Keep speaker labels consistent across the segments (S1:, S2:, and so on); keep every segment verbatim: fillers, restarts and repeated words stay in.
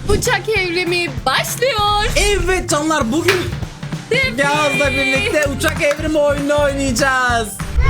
S1: Uçak evrimi başlıyor.
S2: Evet canlar, bugün Yağız'la birlikte uçak evrimi oyunu oynayacağız.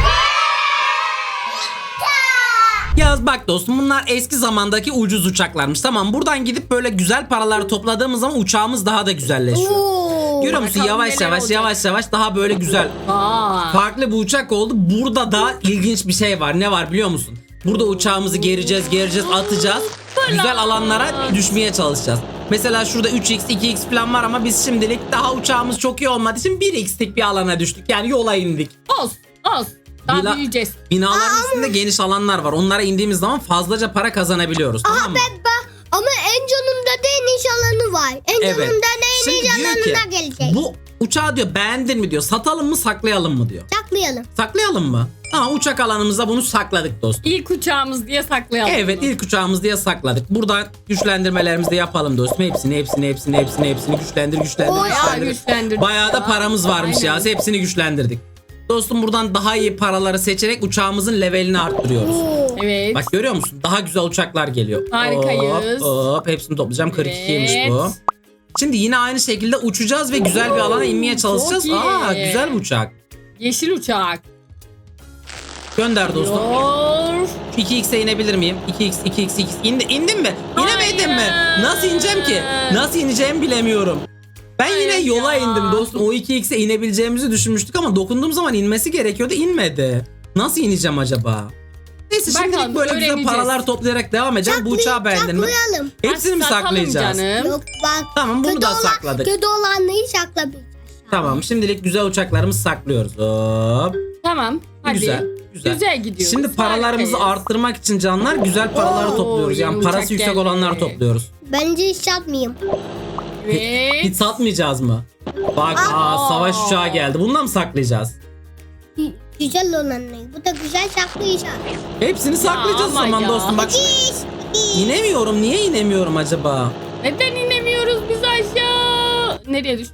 S2: Yağız bak dostum, bunlar eski zamandaki ucuz uçaklarmış. Tamam, buradan gidip böyle güzel paralar topladığımız zaman uçağımız daha da güzelleşiyor.
S3: Oo.
S2: Görüyor musun?
S1: Bakalım
S2: Yavaş
S1: neler
S2: yavaş
S1: olacak.
S2: yavaş yavaş daha böyle güzel.
S1: Aa.
S2: Farklı bir uçak oldu. Burada da ilginç bir şey var. Ne var biliyor musun? Burada uçağımızı gereceğiz, gereceğiz, atacağız. Güzel alanlara düşmeye çalışacağız. Mesela şurada üç x, iki x falan var ama biz şimdilik daha uçağımız çok iyi olmadığı için bir x'lik bir alana düştük. Yani yola indik.
S1: Olsun, olsun. Daha
S2: Bila-
S1: büyüyeceğiz.
S2: Binaların üstünde geniş alanlar var. Onlara indiğimiz zaman fazlaca para kazanabiliyoruz.
S3: Aha
S2: Tamam mı?
S3: ben, ben, ama en sonunda da iniş alanı var. En
S2: Evet.
S3: sonunda da
S2: Şimdi
S3: iniş
S2: diyor ki
S3: alanına gelecek.
S2: bu uçağı diyor beğendin mi diyor. Satalım mı saklayalım mı diyor.
S3: Saklayalım.
S2: Saklayalım mı? Tamam, uçak alanımızda bunu sakladık dostum.
S1: İlk uçağımız diye saklayalım.
S2: Evet,
S1: bunu.
S2: ilk uçağımız diye sakladık. Buradan güçlendirmelerimizi de yapalım dostum. Hepsini hepsini hepsini hepsini hepsini güçlendir güçlendir
S3: Bayağı
S2: güçlendir.
S1: güçlendirdik
S2: Bayağı da
S1: ya.
S2: paramız varmış
S1: Aynen.
S2: ya. Hepsini güçlendirdik. Dostum, buradan daha iyi paraları seçerek uçağımızın levelini arttırıyoruz.
S3: Oo.
S1: Evet.
S2: Bak görüyor musun? Daha güzel uçaklar geliyor.
S1: Harikayız.
S2: Hop, hop. Hepsini toplayacağım. kırk ikiymiş
S1: Evet.
S2: bu. Şimdi yine aynı şekilde uçacağız ve güzel bir alana inmeye çalışacağız.
S1: çok iyi.
S2: Aa, güzel bir uçak.
S1: Yeşil uçak.
S2: Gönder dostum.
S1: Yor.
S2: iki x'e inebilir miyim? iki x, iki x, iki x. İndi, indim mi? İnemedim mi?
S1: Hayır.
S2: Nasıl ineceğim ki? Nasıl ineceğimi bilemiyorum. Ben yine
S1: Hayır
S2: yola
S1: ya.
S2: indim dostum. O iki x'e inebileceğimizi düşünmüştük ama dokunduğum zaman inmesi gerekiyordu. İnmedi. Nasıl ineceğim acaba? Neyse,
S1: Bakalım,
S2: şimdilik böyle güzel
S1: öğreneceğiz.
S2: paralar toplayarak devam edeceğim. Bu uçağı beğendin mi?
S3: Saklayalım.
S2: Hepsini mi
S1: Satalım
S2: saklayacağız?
S1: canım.
S3: Yok bak.
S2: Tamam, bunu
S3: kötü
S2: da
S3: olan-
S2: sakladık.
S3: Kötü olanları saklamayacağız.
S2: Tamam, şimdilik güzel uçaklarımızı saklıyoruz. Hop.
S1: Tamam. Hadi.
S2: Güzel.
S1: Güzel,
S2: Güzel.
S1: gidiyoruz.
S2: Şimdi paralarımızı
S1: Harikayız.
S2: arttırmak için canlar güzel paraları
S3: Oo,
S2: topluyoruz. Yani
S1: yeni
S2: parası
S1: uçak
S2: yüksek
S1: geldi.
S2: olanları topluyoruz.
S3: Bence hiç satmayayım.
S1: Evet.
S2: Hiç satmayacağız mı? Bak, aa, savaş uçağı geldi. Bundan mı saklayacağız?
S3: Güzel olanları. Bu da güzel saklayacağız.
S2: Hepsini saklayacağız o
S1: ama
S2: zaman
S1: ya.
S2: dostum. Bak,
S3: Biz.
S2: inemiyorum. Niye inemiyorum acaba?
S1: Neden inemiyoruz biz aşağı? Nereye düştük?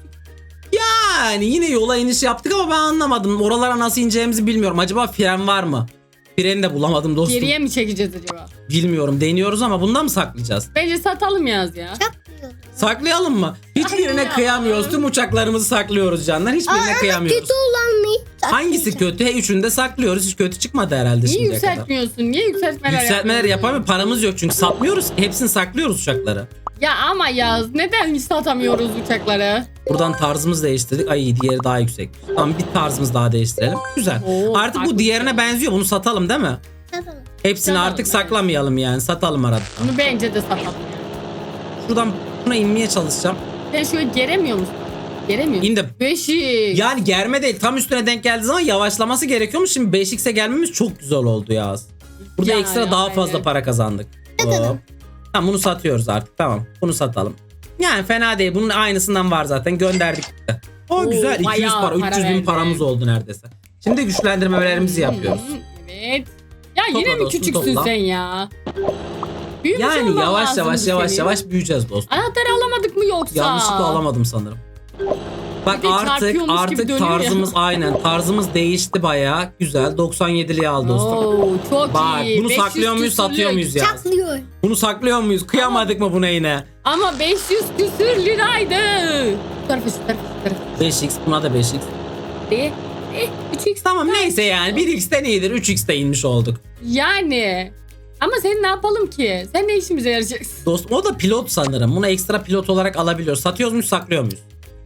S2: Yani yine yola iniş yaptık ama ben anlamadım. Oralara nasıl ineceğimizi bilmiyorum. Acaba fren var mı? Freni de bulamadım dostum.
S1: Geriye mi çekeceğiz acaba?
S2: Bilmiyorum. Deniyoruz ama bundan mı saklayacağız?
S1: Bence satalım yaz ya.
S3: Saklıyoruz.
S2: Saklayalım mı? Hiçbirine
S1: Ay ya.
S2: kıyamıyoruz. Tüm uçaklarımızı saklıyoruz canlar. Hiçbirine
S3: Aa,
S2: kıyamıyoruz.
S3: kötü olanları
S2: Hangisi
S3: saklayacağız.
S2: kötü? He, üçünü de saklıyoruz. Hiç kötü çıkmadı herhalde
S1: Niye
S2: şimdiye kadar.
S1: yükseltmiyorsun? Niye yükseltmeler
S2: Yükseltmeler
S1: yapmıyorsun?
S2: yapamıyor. Paramız yok çünkü satmıyoruz. Hepsini saklıyoruz uçakları.
S1: Ya ama yaz neden hiç satamıyoruz uçakları?
S2: Buradan tarzımızı değiştirdik. Ay, diğeri daha yüksek. Tamam, bir tarzımızı daha değiştirelim. Güzel.
S1: Oo,
S2: Artık bu
S1: farklı
S2: diğerine
S1: bir şey.
S2: benziyor. Bunu satalım değil mi?
S3: Satalım.
S2: Hepsini
S1: Satalım,
S2: artık
S1: evet.
S2: saklamayalım yani. Satalım arada.
S1: Bunu bence de satalım.
S2: Şuradan buna inmeye çalışacağım.
S1: Sen şöyle geremiyor musun? Geremiyor musun?
S2: İndim.
S1: Beşik.
S2: Yani germe değil. Tam üstüne denk geldiği zaman yavaşlaması gerekiyormuş. Şimdi beş x'e gelmemiz çok güzel oldu ya. Burada
S1: Yani,
S2: ekstra daha fazla
S1: aynen.
S2: para kazandık. Hop. Tamam, bunu satıyoruz artık. Tamam, bunu satalım. Yani fena değil. Bunun aynısından var zaten. Gönderdik. O
S1: Oo,
S2: güzel. iki yüz
S1: bayağı
S2: para.
S1: para
S2: üç yüz bin
S1: verdik.
S2: paramız oldu neredeyse. Şimdi güçlendirmelerimizi yapıyoruz.
S1: Hı, Evet. Ya
S2: Topla
S1: yine mi
S2: dostum,
S1: küçüksün
S2: topla.
S1: sen ya? Büyümüş
S2: Yani
S1: olman
S2: yavaş
S1: lazımdı
S2: yavaş yavaş
S1: senin.
S2: yavaş büyüyeceğiz dostum.
S1: Anahtarı alamadık mı yoksa?
S2: Yanlışlıkla alamadım sanırım. Bak,
S1: Bir de
S2: artık
S1: çarpıyormuş gibi
S2: artık
S1: dönüyor ya.
S2: tarzımız aynen. Tarzımız değişti bayağı. Güzel. doksan yediliği al dostum.
S1: Oo, çok
S2: Bak,
S1: iyi.
S2: bunu
S1: beş yüz
S2: saklıyor muyuz,
S1: küsürlük.
S2: satıyor muyuz ya?
S3: Saklıyor.
S2: Bunu saklıyor muyuz? Kıyamadık mı buna yine?
S1: Ama beş yüz küsür liraydı. Şu tarafa şu tarafa şu tarafa.
S2: beş x, buna da beş x.
S1: E, e, üç x.
S2: Tamam, neyse yani bir x'ten iyidir. üç x'te inmiş olduk.
S1: Yani. Ama sen ne yapalım ki? Sen ne işimize yarayacaksın?
S2: Dostum, o da pilot sanırım. Bunu ekstra pilot olarak alabiliyoruz. Satıyoruz muyuz, saklıyor muyuz?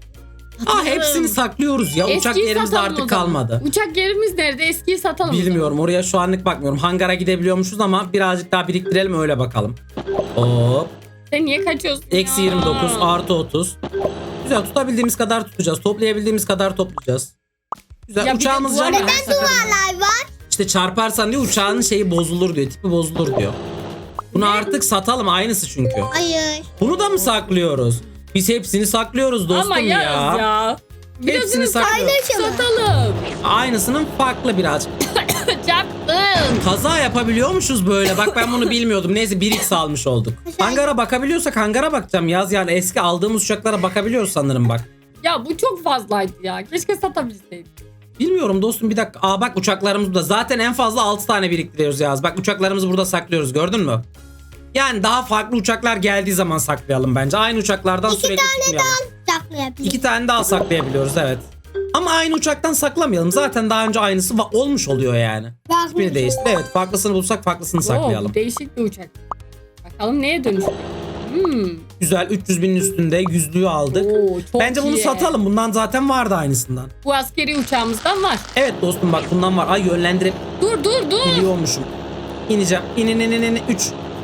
S2: Aa, hepsini saklıyoruz ya. Uçak
S1: Eskiyi
S2: yerimiz de
S1: satalım o
S2: artık
S1: zaman.
S2: kalmadı.
S1: Uçak yerimiz nerede? Eskiyi satalım o zaman.
S2: Bilmiyorum, oraya şu anlık bakmıyorum. Hangara gidebiliyormuşuz ama birazcık daha biriktirelim, öyle bakalım. Hop.
S1: Sen niye kaçıyorsun
S2: Eksi
S1: ya?
S2: yirmi dokuz artı otuz. Güzel, tutabildiğimiz kadar tutacağız. Toplayabildiğimiz kadar toplayacağız. Güzel.
S1: Ya bir de
S2: Uçağımız
S1: duvar-
S2: canlı.
S1: Neden
S3: Duvarlar var.
S2: İşte çarparsan diyor, uçağın şeyi bozulur diyor. Tipi bozulur diyor. Bunu artık satalım, aynısı çünkü.
S3: Hayır.
S2: Bunu da mı saklıyoruz? Biz hepsini saklıyoruz dostum
S1: Ama
S2: ya.
S1: yaz ya.
S2: Hepsini
S1: Birazını
S2: saklıyoruz.
S3: Paylaşalım.
S1: satalım.
S2: Aynısının farklı birazcık.
S1: Çarptın.
S2: Kaza yapabiliyormuşuz böyle. Bak, ben bunu bilmiyordum. Neyse, bir x almış olduk. Hangara bakabiliyorsak hangara bakacağım yaz. Yani eski aldığımız uçaklara bakabiliyoruz sanırım bak.
S1: Ya bu çok fazlaydı ya. Keşke satabilseydik.
S2: Bilmiyorum dostum, bir dakika. Aa bak, uçaklarımız burada. Zaten en fazla altı tane biriktiriyoruz yaz. Bak, uçaklarımızı burada saklıyoruz, gördün mü? Yani daha farklı uçaklar geldiği zaman saklayalım bence. Aynı uçaklardan
S3: İki
S2: sürekli
S3: tane
S2: tutmayalım.
S3: daha saklayabiliriz.
S2: İki tane daha saklayabiliyoruz evet. Ama aynı uçaktan saklamayalım. Zaten daha önce aynısı va- olmuş oluyor yani.
S3: Farklı
S2: İsmini
S3: bir
S2: değiştir. Evet farklısını bulsak farklısını
S1: Oo,
S2: saklayalım.
S1: bu değişik bir uçak. Bakalım neye dönüşüyor? Hmm.
S2: Güzel üç yüz binin üstünde yüzlüğü aldık.
S1: Oo, çok
S2: Bence bunu
S1: iyi.
S2: satalım. Bundan zaten vardı aynısından.
S1: Bu askeri uçağımızdan var.
S2: Evet dostum bak bundan var. Ay yönlendirip
S1: Dur dur dur.
S2: biliyormuşum. İneceğim. İn in in in in. üç.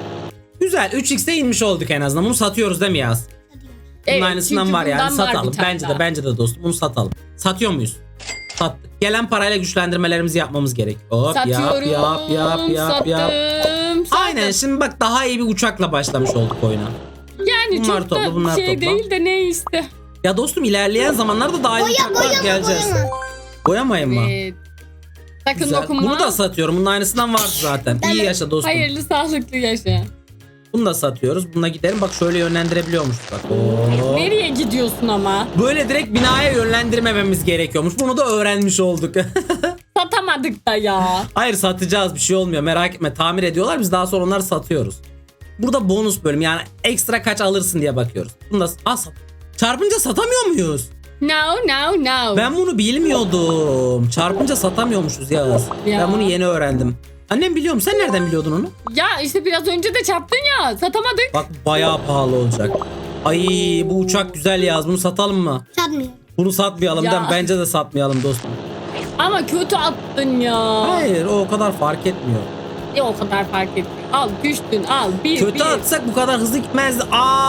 S2: Güzel üç x'e inmiş olduk en azından. Bunu satıyoruz değil mi Yaz? Bunun
S1: Evet,
S2: aynısından
S1: çünkü
S2: var yani
S1: bundan var
S2: satalım.
S1: bir tane
S2: Bence de
S1: daha.
S2: bence de dostum bunu satalım. Satıyor muyuz? Sattık. Gelen parayla güçlendirmelerimizi yapmamız gerek. Hop
S1: Satıyorum.
S2: yap yap yap yap
S1: sattım,
S2: yap.
S1: sattım.
S2: Aynen şimdi bak daha iyi bir uçakla başlamış olduk oyuna.
S1: Yani
S2: Bunlar
S1: çok
S2: topla,
S1: da
S2: bunlar
S1: şey
S2: topla.
S1: değil de ne işte.
S2: Ya dostum ilerleyen zamanlarda daha iyi
S3: Boya
S2: uçaklar
S3: boyama
S2: geleceğiz.
S3: boyama.
S2: Boyamayın mı?
S1: Evet. Sakın
S2: Güzel.
S1: dokunma.
S2: Bunu da satıyorum. Bunun aynısından vardı zaten. İyi yaşa dostum.
S1: Hayırlı sağlıklı yaşa.
S2: Bunu da satıyoruz. Bununla gidelim. Bak şöyle yönlendirebiliyormuş. Bak. Oo.
S1: Nereye gidiyorsun ama?
S2: Böyle direkt binaya yönlendirmememiz gerekiyormuş. Bunu da öğrenmiş olduk.
S1: Satamadık da ya.
S2: Hayır satacağız bir şey olmuyor. Merak etme. Tamir ediyorlar. Biz daha sonra onları satıyoruz. Burada bonus bölüm. Yani ekstra kaç alırsın diye bakıyoruz. Bunu da Aa, sat. Çarpınca satamıyor muyuz?
S1: No no no.
S2: Ben bunu bilmiyordum. Çarpınca satamıyormuşuz Yağız.
S1: Ya.
S2: Ben bunu yeni öğrendim. Annem biliyorum. Sen nereden biliyordun onu?
S1: Ya işte biraz önce de çarptın ya. Satamadık.
S2: Bak bayağı pahalı olacak. Ay bu uçak güzel Yağız. Bunu satalım mı?
S3: Satmıyor.
S2: Bunu satmayalım.
S1: Ya.
S2: değil mi? Bence de satmayalım dostum.
S1: Ama kötü attın ya.
S2: Hayır o o kadar fark etmiyor.
S1: Ya o kadar fark etmiyor. Al düştün al. Bir
S2: Kötü
S1: bir.
S2: atsak bu kadar hızlı gitmezdi.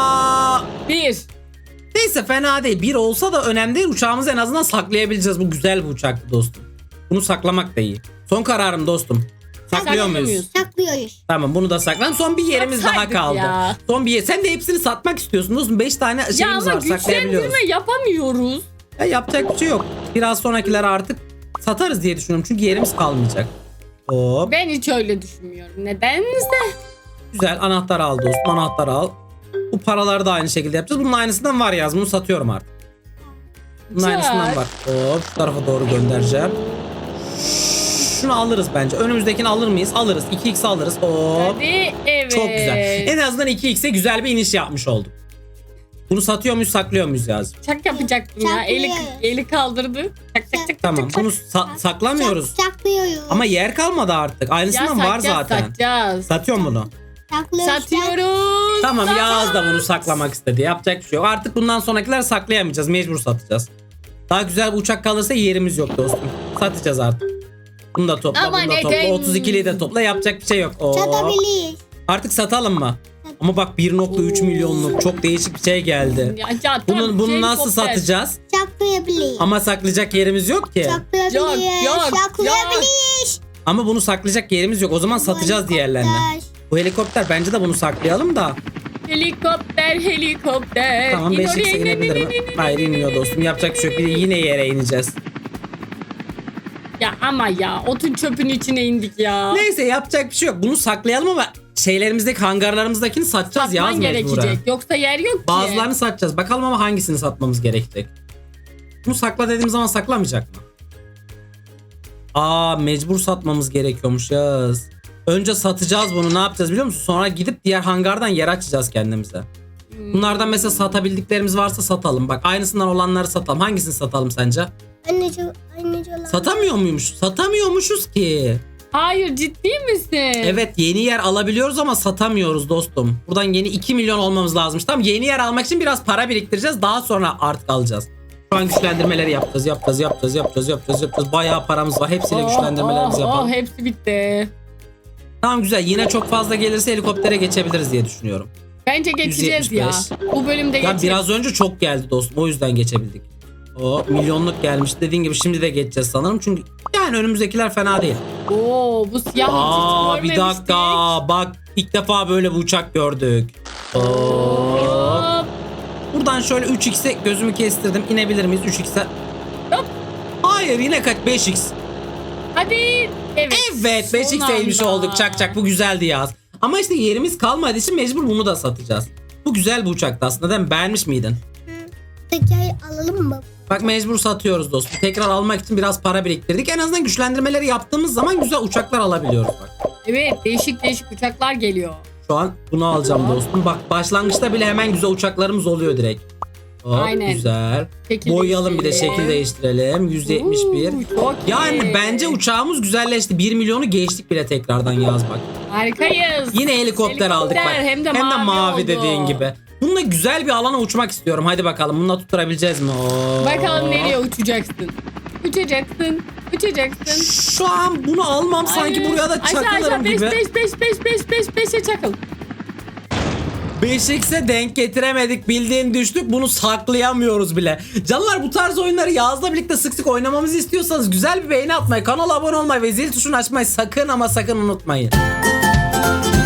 S2: Aa!
S1: Bir.
S2: Neyse fena değil. Bir olsa da önemli değil. Uçağımızı en azından saklayabileceğiz. Bu güzel bir uçaktı dostum. Bunu saklamak da iyi. Son kararım dostum. Saklıyor
S1: Saklıyor
S2: muyuz?
S1: muyuz?
S3: Saklıyoruz.
S2: Tamam bunu da saklan. Son bir yerimiz daha
S1: Satsaydık
S2: kaldı.
S1: ya.
S2: Son bir yer. Sen de hepsini satmak istiyorsun dostum. beş tane
S1: Ya
S2: şeyimiz
S1: ama
S2: var saklayabiliyoruz.
S1: güçlendirme yapamıyoruz.
S2: Ya yapacak bir şey yok. Biraz sonrakileri artık satarız diye düşünüyorum. Çünkü yerimiz kalmayacak. Hop.
S1: Ben hiç öyle düşünmüyorum. Nedense.
S2: Güzel anahtar al dostum. Anahtar al. Bu paraları da aynı şekilde yapacağız. Bunun aynısından var yaz. Bunu satıyorum artık. Bunun
S1: Güzel.
S2: aynısından var. Hop şu tarafa doğru göndereceğim. Şunu alırız bence. Önümüzdekini alır mıyız? Alırız. iki x alırız. Hop.
S1: Hadi evet.
S2: Çok güzel. En azından iki x'e güzel bir iniş yapmış olduk. Bunu satıyor muyuz, saklıyor muyuz yaz?
S1: Çak yapacaktım ya. Eli,
S3: Saklıyoruz.
S1: eli kaldırdı. Çak çak çak.
S2: Tamam.
S1: çak, çak.
S2: Bunu sa- saklamıyoruz.
S3: Sak- saklıyoruz.
S2: Ama yer kalmadı artık.
S1: Ya
S2: Aynısından var
S1: satacağız,
S2: zaten.
S1: Satacağız.
S2: Satıyor mu bunu?
S3: Saklıyoruz.
S1: Satıyoruz.
S2: Tamam
S1: Sat-
S2: Yağız da bunu saklamak istedi. Yapacak bir şey yok. Artık bundan sonrakiler saklayamayacağız. Mecbur satacağız. Daha güzel bir uçak kalırsa yerimiz yok dostum. Satacağız artık. Bunu da topla,
S1: Ama
S2: bunu da
S1: neden?
S2: topla. otuz ikiliyi de topla. Yapacak bir şey yok. Oo.
S3: Satabiliriz.
S2: Artık satalım mı? Ama bak bir nokta üç milyonluk çok değişik bir şey geldi.
S1: Ya, ya,
S2: Bunun
S1: tam
S2: bunu
S1: şey
S2: nasıl
S1: kopter.
S2: satacağız?
S3: Saklayabiliriz.
S2: Ama saklayacak yerimiz yok ki.
S3: Saklayabiliriz.
S1: Yok, yok,
S3: Saklayabiliriz.
S2: Ama bunu saklayacak yerimiz yok. O zaman satacağız
S3: Bu
S2: diğerlerini.
S3: helikopter.
S2: Bu helikopter bence de bunu saklayalım da.
S1: Helikopter helikopter.
S2: Tamam
S1: İn
S2: beş
S1: oraya,
S2: x'e
S1: in, in,
S2: inebilir
S1: in,
S2: mi?
S1: in, in,
S2: Hayır
S1: in, in.
S2: inmiyor dostum. Yapacak bir şey yok. Bir de yine yere ineceğiz.
S1: Ya ama ya otun çöpün içine indik ya.
S2: Neyse yapacak bir şey yok. Bunu saklayalım ama şeylerimizdeki hangarlarımızdakini satacağız
S1: Satman
S2: yaz mecburen.
S1: gerekecek. Yoksa yer yok ki.
S2: Bazılarını satacağız. Bakalım ama hangisini satmamız gerekecek. Bunu sakla dediğim zaman saklamayacak mı? Aa mecbur satmamız gerekiyormuş yaz. Önce satacağız bunu, ne yapacağız biliyor musun? Sonra gidip diğer hangardan yer açacağız kendimize. Bunlardan mesela satabildiklerimiz varsa satalım. Bak aynısından olanları satalım. Hangisini satalım sence?
S3: Anneci, anneci olan.
S2: Satamıyor muymuş? Satamıyormuşuz ki.
S1: Hayır ciddi misin?
S2: Evet yeni yer alabiliyoruz ama satamıyoruz dostum. Buradan yeni iki milyon olmamız lazımmış. Tamam yeni yer almak için biraz para biriktireceğiz. Daha sonra artık alacağız. Şu an güçlendirmeleri yapacağız, yapacağız, yapacağız, yapacağız, yapacağız, yapacağız. Bayağı paramız var. Hepsiyle
S1: Oh,
S2: güçlendirmelerimizi
S1: oh,
S2: yapalım.
S1: Oh, hepsi bitti.
S2: Tamam güzel. Yine çok fazla gelirse helikoptere geçebiliriz diye düşünüyorum.
S1: Bence geçeceğiz ya.
S2: yüz yetmiş
S1: Bu bölümde
S2: Ya
S1: geçeceğiz.
S2: biraz önce çok geldi dostum. O yüzden geçebildik. O milyonluk gelmiş. Dediğin gibi şimdi de geçeceğiz sanırım. Çünkü yani önümüzdekiler fena değil.
S1: Oo bu siyah
S2: Aa
S1: hiç
S2: bir
S1: görmemiştik.
S2: dakika. Bak ilk defa böyle bir uçak gördük. Hop.
S1: Hop.
S2: Buradan şöyle üç x'e gözümü kestirdim. İnebilir miyiz üç x'e?
S1: Hop.
S2: Hayır yine kaç? beş x.
S1: Hadi. Evet.
S2: Evet beş
S1: Son
S2: x'e inmiş
S1: anda.
S2: olduk. Çak çak bu güzeldi yaz. Ama işte yerimiz kalmadığı için mecbur bunu da satacağız. Bu güzel bir uçaktı aslında değil mi? Beğenmiş miydin?
S3: Teker alalım mı?
S2: Bak mecbur satıyoruz dostum. Tekrar almak için biraz para biriktirdik. En azından güçlendirmeleri yaptığımız zaman güzel uçaklar alabiliyoruz bak.
S1: Evet değişik değişik uçaklar geliyor.
S2: Şu an bunu alacağım dostum. Bak başlangıçta bile hemen güzel uçaklarımız oluyor direkt. Hop,
S1: Aynen.
S2: güzel.
S1: Şekil
S2: Boyayalım bir de
S1: değiştirelim.
S2: şekil değiştirelim. yüz yetmiş bir.
S1: Oo, çok
S2: Yani
S1: iyi.
S2: bence uçağımız güzelleşti. bir milyonu geçtik bile tekrardan Yağız bak.
S1: Harikayız.
S2: Yine helikopter, aldık bak.
S1: Hem de mavi, oldu.
S2: dediğin gibi. Bununla güzel bir alana uçmak istiyorum. Hadi bakalım bununla tutturabileceğiz mi? Oo.
S1: Bakalım nereye uçacaksın. Uçacaksın. Uçacaksın.
S2: Şu an bunu almam sanki
S1: Hayır.
S2: buraya da
S1: Aşağı
S2: çakılırım
S1: aşağı beş
S2: gibi.
S1: beş beş beş beş beş beşe çakıl.
S2: beş x'e denk getiremedik, bildiğin düştük, bunu saklayamıyoruz bile. Canlar, bu tarz oyunları Yağız'la birlikte sık sık oynamamızı istiyorsanız güzel bir beğeni atmayı, kanala abone olmayı ve zil tuşunu açmayı sakın ama sakın unutmayın.